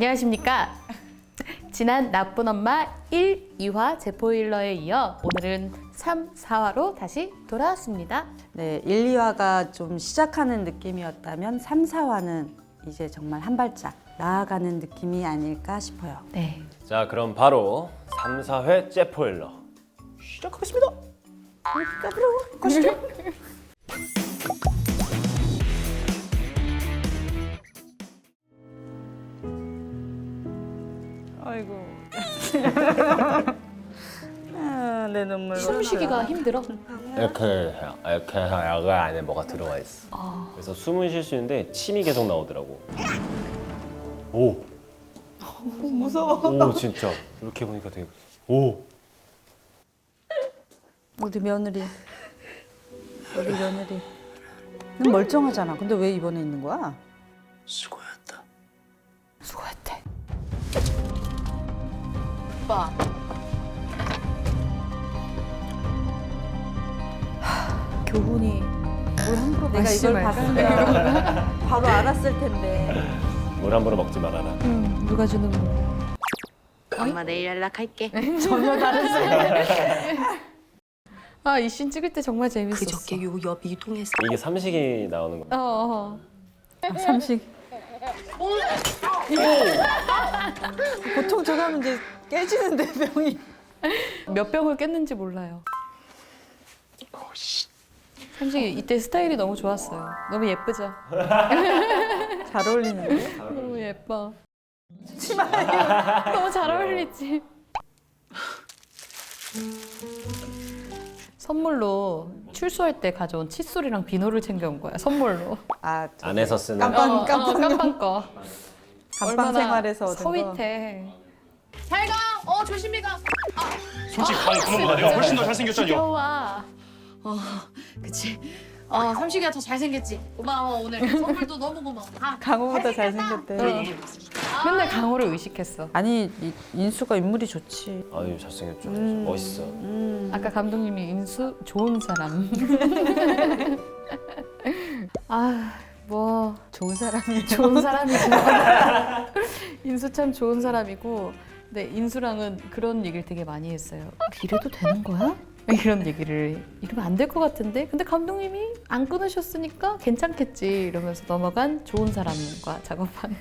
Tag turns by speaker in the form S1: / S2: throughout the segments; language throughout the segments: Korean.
S1: 안녕하십니까. 지난 나쁜 엄마 1, 2화 제포일러에 이어 오늘은 3, 4화로 다시 돌아왔습니다.
S2: 네, 1, 2화가 좀 시작하는 느낌이었다면 3, 4화는 이제 정말 한 발짝 나아가는 느낌이 아닐까 싶어요.
S1: 네.
S3: 자, 그럼 바로 3, 4회 제포일러 시작하겠습니다.
S2: 가시죠. 아이고. 내 눈물.
S1: 숨쉬기가 힘들어?
S3: 이렇게 해가 안에 뭐가 들어가 있어. 그래서 숨은 쉴 수 있는데 침이 계속 나오더라고. 오.
S2: 무서워.
S3: 오, 진짜. 이렇게 보니까 되게 오.
S2: 우리 며느리. 우리 며느리. 넌 멀쩡하잖아. 근데 왜 입원해 있는 거야?
S3: 수고했다.
S1: 수고했대. 오빠. 교훈이 뭘 함부로
S2: 내가 이걸 봤으면 바로 알았을 텐데.
S3: 물 함부로 먹지 말아라.
S1: 누가 주는 거.
S4: 엄마 내일 연락할게.
S2: 전혀 다른 소리.
S1: 아, 이 씬 찍을 때 정말 재밌었어.
S4: 그저께 요 옆 이동해서
S3: 이게 삼식이 나오는 거.
S2: 삼식. 보통 저거 하면 이제 깨지는데 병이.
S1: 몇 병을 깼는지 몰라요. 삼식이 이때 스타일이 너무 좋았어요. 너무 예쁘죠?
S2: 잘 어울리는데?
S1: 너무 예뻐. 너무 잘 어울리지? 선물로 출소할 때 가져온 칫솔이랑 비누를 챙겨온 거야, 선물로.
S2: 아,
S3: 안에서 쓰는
S2: 깜빵
S1: 깜빵 거.
S2: 감방 생활에서 얻은 거.
S1: 서윗해.
S4: 잘 가. 조심히 가.
S5: 솔직히 가위 그만보다 내가 훨씬 더 잘생겼잖여.
S1: 귀여워.
S4: 그치. 삼식이가 더 잘생겼지. 고마워 오늘 선물도 너무 고마워.
S2: 강호보다 잘생겼대.
S1: 맨날 강호를 의식했어.
S2: 아니, 인수가 인물이 좋지.
S3: 아유, 잘생겼죠. 멋있어.
S1: 아까 감독님이 인수 좋은 사람. 아, 뭐
S2: 좋은 사람이에요.
S1: 좋은 사람이죠. 인수 참 좋은 사람이고, 근데 인수랑은 그런 얘기를 되게 많이 했어요. 이래도 되는 거야? 이런 얘기를 이러면 안 될 것 같은데, 근데 감독님이 안 끊으셨으니까 괜찮겠지 이러면서 넘어간 좋은 사람과 작업한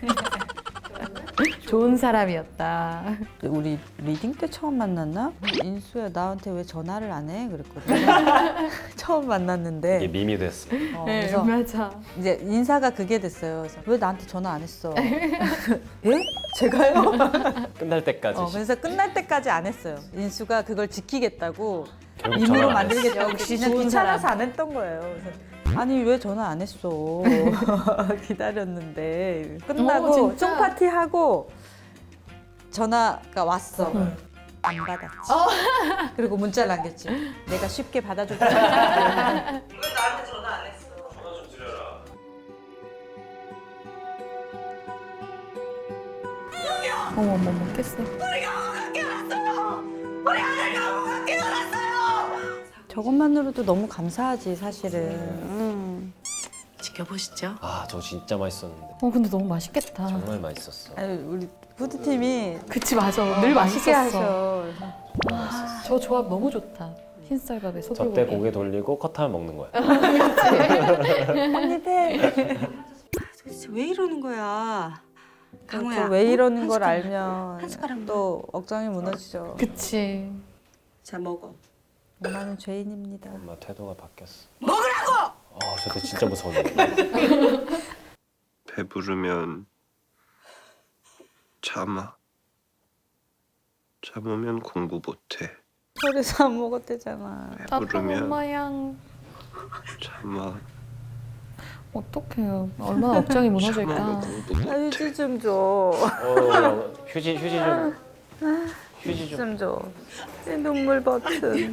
S1: 좋은 사람이었다.
S2: 우리 리딩 때 처음 만났나? 인수야, 나한테 왜 전화를 안 해? 그랬거든. 처음
S3: 이게
S2: 만났는데.
S3: 밈이 됐어.
S1: 네,
S2: 그래서
S1: 맞아.
S2: 이제 인사가 그게 됐어요. 그래서 왜 나한테 전화 안 했어? 예? 제가요?
S3: 끝날 때까지.
S2: 그래서 끝날 때까지 안 했어요. 인수가 그걸 지키겠다고
S3: 결국
S2: 임의로
S3: 전화 안 했어.
S2: 만들겠다고
S1: 역시
S2: 그냥
S1: 좋은
S2: 귀찮아서
S1: 사람.
S2: 안 했던 거예요. 그래서 아니 왜 전화 안 했어? 기다렸는데 끝나고
S1: 진짜?
S2: 쫑파티 하고 전화가 왔어. 안 받았지. 그리고 문자를 남겼지. 내가 쉽게 받아줄 거야.
S6: 왜 나한테 전화 안 했어?
S5: 전화 좀 드려라.
S1: 어머머머 깼어.
S2: 저것만으로도 너무 감사하지 사실은.
S4: 지켜보시죠.
S3: 아, 저 진짜 맛있었는데.
S1: 근데 너무 맛있겠다.
S3: 정말 맛있었어.
S2: 아니, 우리 푸드팀이
S1: 그치, 맞아. 늘
S2: 맛있게
S1: 맛있었어.
S2: 하셔.
S1: 저 조합 너무 좋다. 흰쌀밥에 소불고기.
S3: 저때 고개 돌리고 컷하면 먹는 거야.
S2: 한입 해.
S4: 도대체 왜 이러는 거야? 강호야.
S2: 왜 이러는 걸
S4: 한
S2: 알면
S4: 숟가락만.
S2: 또 억장이 무너지죠.
S1: 그치.
S4: 자 먹어.
S2: 엄마는 죄인입니다.
S3: 엄마 태도가 바뀌었어. 먹으라고! 아, 저때 진짜 무서웠는데.
S7: 배부르면 참아. 참으면 공부 못해.
S2: 그래서 안 먹었대잖아.
S1: 아빠
S7: 배부르면
S1: 엄마양.
S7: 참아.
S1: 어떡해요. 얼마나 억장이
S7: 참으면
S1: 무너질까.
S7: 공부
S2: 아,
S7: 못해.
S2: 휴지 좀 줘.
S3: 휴지 좀. 휴지 좀.
S2: 좀 줘. 내 눈물 버튼.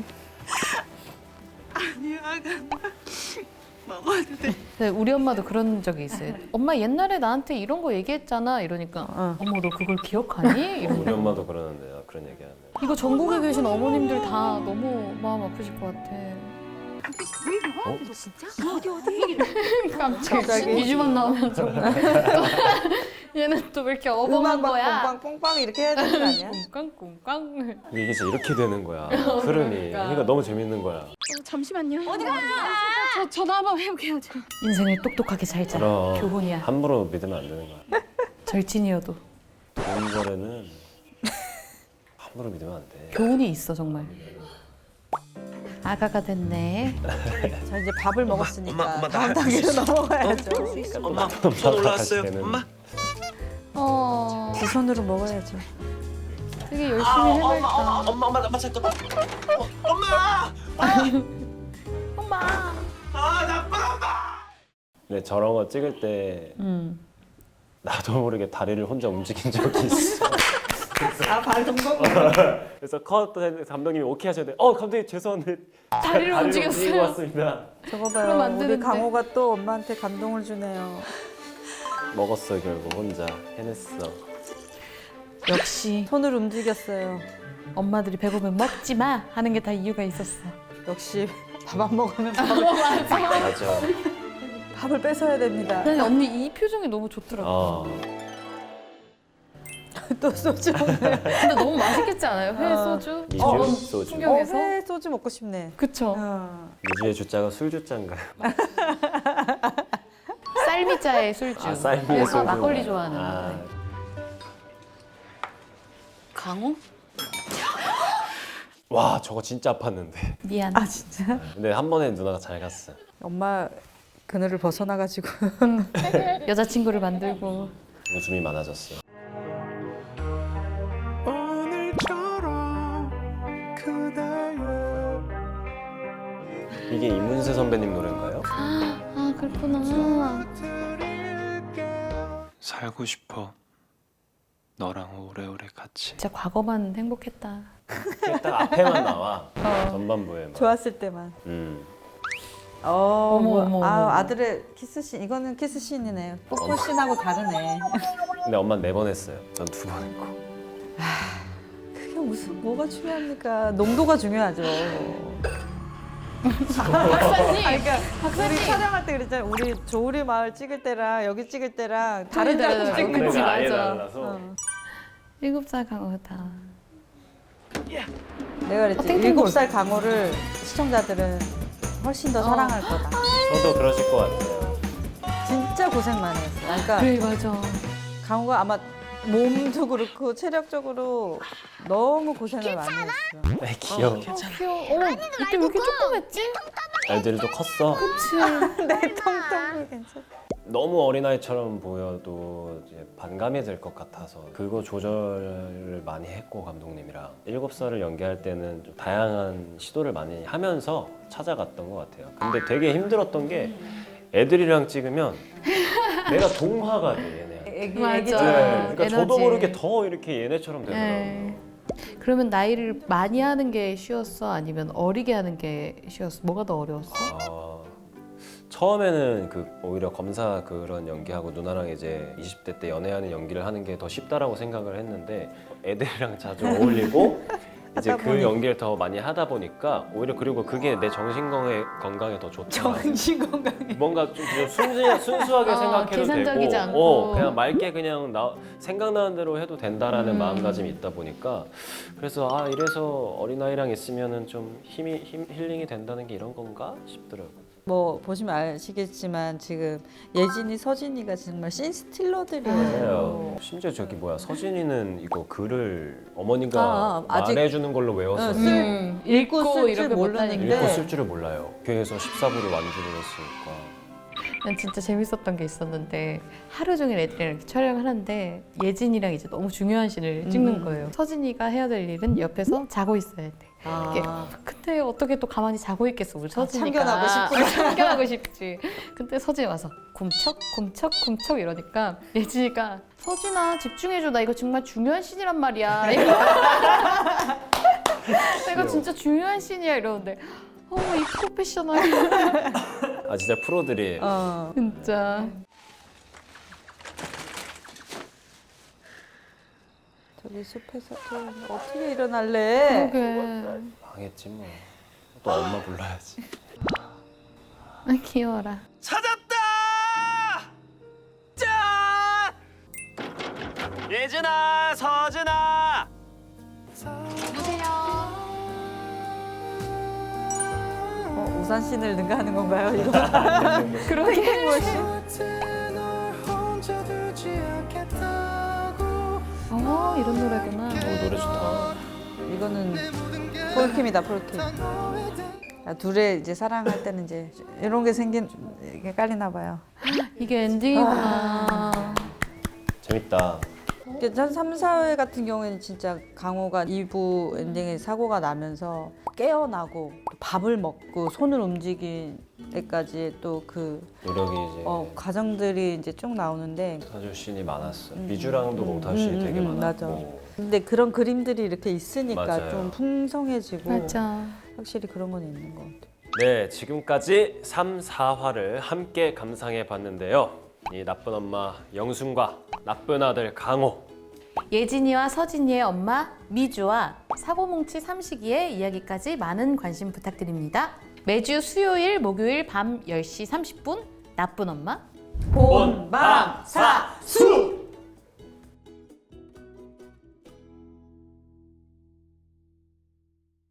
S1: 네, 우리 엄마도 그런 적이 있어요. 엄마 옛날에 나한테 이런 거 얘기했잖아. 이러니까 어머 너 그걸 기억하니?
S3: 우리
S1: 이러면
S3: 엄마도 그러는데 그런 얘기하네.
S1: 이거 전국에 계신 어머님들 다 너무 마음 아프실 것 같아. 갑자기 미주만 나오면 정말 얘는 또 왜 이렇게 어벙한
S2: 음악
S1: 거야?
S2: 막 뽕빵 이렇게 해야 되는 거 아니야?
S1: 꽁깡꽁깡.
S3: 이게 진짜 이렇게 되는 거야. 흐름이. 그러니까 너무 재밌는 거야.
S4: 잠시만요. 어디가? 저 전화 한번 해볼게요. 저.
S1: 인생을 똑똑하게 살자.
S3: 그럼
S1: 교훈이야.
S3: 함부로 믿으면 안 되는 거야.
S1: 절친이어도
S3: 좋은 거래는 함부로 믿으면 안 돼.
S1: 교훈이 있어 정말. 아가가 됐네.
S2: 자 이제 밥을 먹었으니까
S7: 엄마,
S2: 다음
S7: 나
S2: 단계로 넘어가야죠.
S7: 엄마 손 올라왔어요.
S3: 때는.
S7: 엄마.
S2: 두 손으로 먹어야죠.
S1: 되게 열심히 해맑다.
S7: 엄마 나 잠깐. 엄마.
S1: 엄마.
S3: 근데 저런 거 찍을 때 나도 모르게 다리를 혼자 움직인 적이 있어.
S2: 발 동동.
S3: 그래서 컷 감독님이 오케이 하셨는데 감독님 죄송한데
S1: 다리를
S3: 움직이고
S1: 움직였어요.
S3: 왔습니다.
S2: 저거
S1: 그럼 안
S2: 봐요. 우리
S1: 되는데.
S2: 강호가 또 엄마한테 감동을 주네요.
S3: 먹었어 결국 혼자 해냈어.
S1: 역시
S2: 손을 움직였어요.
S1: 엄마들이 배고프면 먹지 마 하는 게 다 이유가 있었어.
S2: 역시 밥 안 먹으면
S3: 맞아.
S2: 밥을 뺏어야 됩니다.
S1: 근데 언니 이 표정이 너무 좋더라고.
S2: 또 소주 먹네.
S1: 근데 너무 맛있겠지 않아요? 회 소주?
S3: 미주
S1: 이런
S3: 소주.
S1: 풍경에서?
S2: 회 소주 먹고 싶네.
S1: 그쵸.
S3: 미주의 주자가 술주자인가요?
S1: 쌀미자의 술주.
S3: 쌀미의
S1: 그래서
S3: 소주.
S1: 막걸리 좋아하는.
S3: 아,
S1: 강호?
S3: 와 저거 진짜 아팠는데.
S1: 미안.
S2: 아 진짜?
S3: 근데 한 번에 누나가 잘 갔어.
S2: 엄마 그늘을 벗어나가지고
S1: 여자친구를 만들고.
S3: 웃음이 많아졌어. 이게 이문세 선배님 노래인가요?
S1: 아 그렇구나.
S7: 살고 싶어. 너랑 오래오래 같이.
S1: 진짜 과거만 행복했다.
S3: 딱 앞에만 나와. 전반부에 막.
S2: 좋았을 때만.
S1: 어머,
S2: 뭐,
S1: 어머, 어머.
S2: 아들의 키스씬 이거는 키스씬이네요. 뽀뽀씬하고 다르네.
S3: 근데 엄마는 4번 했어요. 전 2번 했고.
S2: 그게 무슨 뭐가 중요합니까? 농도가 중요하죠.
S1: 박사님.
S2: 그러니까 우리 촬영할 때 그랬잖아요. 우리 조우리 마을 찍을 때랑 여기 찍을 때랑 다른
S1: 다르다,
S2: 작품
S1: 다르다.
S2: 찍는
S1: 그치,
S3: 그러니까 아예
S1: 맞아.
S3: 달라서.
S1: 7살 강호다.
S2: 내가 그랬지.
S1: 땡땡볼.
S2: 7살 강호를 시청자들은 훨씬 더 사랑할 거다.
S3: 저도 그러실 것 같아요.
S2: 진짜 고생 많이 했어. 그러니까
S1: 그래 맞아.
S2: 강호가 아마 몸도 그렇고 체력적으로 너무 고생을 많이 했어.
S3: 네, 귀여워.
S1: 귀여워. 이때 왜 이렇게 조그맸지?
S3: 애들도 컸어.
S1: 그치.
S2: 내 통통도 괜찮아.
S3: 너무 어린아이처럼 보여도 이제 반감이 될 것 같아서 그거 조절을 많이 했고 감독님이랑 7살을 연기할 때는 좀 다양한 시도를 많이 하면서 찾아갔던 것 같아요. 근데 되게 힘들었던 게 애들이랑 찍으면 내가 동화가 돼 얘네.
S2: 애기
S1: 맞아.
S2: 애기처럼.
S3: 그러니까 저도
S1: 에너지.
S3: 모르게 더 이렇게 얘네처럼 되더라고요.
S1: 네. 그러면 나이를 많이 하는 게 쉬웠어? 아니면 어리게 하는 게 쉬웠어? 뭐가 더 어려웠어?
S3: 처음에는 오히려 검사 그런 연기하고 누나랑 이제 20대 때 연애하는 연기를 하는 게 더 쉽다라고 생각을 했는데 애들이랑 자주 어울리고 이제 그 연기를 더 많이 하다 보니까 오히려 그리고 그게 내 정신 건강에 더 좋다.
S2: 정신 건강에.
S3: 뭔가 좀 순수하게 생각해도
S1: 계산적이지
S3: 되고
S1: 않고.
S3: 그냥 맑게 그냥 생각나는 대로 해도 된다라는 마음가짐이 있다 보니까 그래서 이래서 어린아이랑 있으면은 좀 힐링이 된다는 게 이런 건가 싶더라고요.
S2: 뭐 보시면 아시겠지만 지금 예진이, 서진이가 정말 씬스틸러들이에요.
S3: 맞아요. 심지어 저기 서진이는 이거 글을 어머니가
S2: 아직-
S3: 말해주는 걸로 외웠어서
S2: 읽고 쓸 줄
S1: 이렇게
S2: 모르는데
S3: 읽고 쓸 줄을 몰라요. 교회에서 14부를 완주를 했으니까.
S1: 난 진짜 재밌었던 게 있었는데 하루 종일 애들이랑 이렇게 촬영을 하는데 예진이랑 이제 너무 중요한 씬을 찍는 거예요. 서진이가 해야 될 일은 옆에서 자고 있어야 돼. 이렇게. 근데 어떻게 또 가만히 자고 있겠어 우리 서진이가.
S2: 참견하고 싶구나.
S1: 참견하고 싶지. 근데 서진이 와서 굼척 이러니까 예진이가 서진아 집중해줘 나 이거 정말 중요한 씬이란 말이야. 내가 진짜 중요한 씬이야 이러는데 이 프로페셔널.
S3: 진짜 프로들이
S1: 진짜.
S2: 저기 숲에서 좀 어떻게 일어날래?
S1: 그러게.
S3: 망했지 뭐. 또 엄마 불러야지.
S1: 귀여워라.
S7: 찾았다! 짠! 예진아, 서진아.
S2: 우산 씬을 능가하는 건가요 이거?
S1: 그러게. 이런 노래구나.
S3: 노래 좋다.
S2: 이거는 폴킴이다 폴킴. 둘의 이제 사랑할 때는 이제 이런 게 이게 깔리나 봐요.
S1: 이게 엔딩이구나.
S3: 재밌다.
S2: 한 3, 4회 같은 경우에는 진짜 강호가 2부 엔딩에 사고가 나면서 깨어나고 밥을 먹고 손을 움직일 때까지 또 그
S3: 노력이 이제
S2: 과정들이 이제 쭉 나오는데
S3: 사줄 씬이 많았어. 미주랑도 몽타주 씬이 되게 많았고.
S2: 맞아. 근데 그런 그림들이 이렇게 있으니까
S3: 맞아요.
S2: 좀 풍성해지고
S1: 맞아.
S2: 확실히 그런 건 있는 것 같아요.
S3: 네, 지금까지 3, 4화를 함께 감상해 봤는데요. 이 나쁜 엄마 영순과 나쁜 아들 강호.
S1: 예진이와 서진이의 엄마 미주와 사고뭉치 삼식이의 이야기까지 많은 관심 부탁드립니다. 매주 수요일, 목요일 밤 10시 30분 나쁜 엄마
S2: 본방사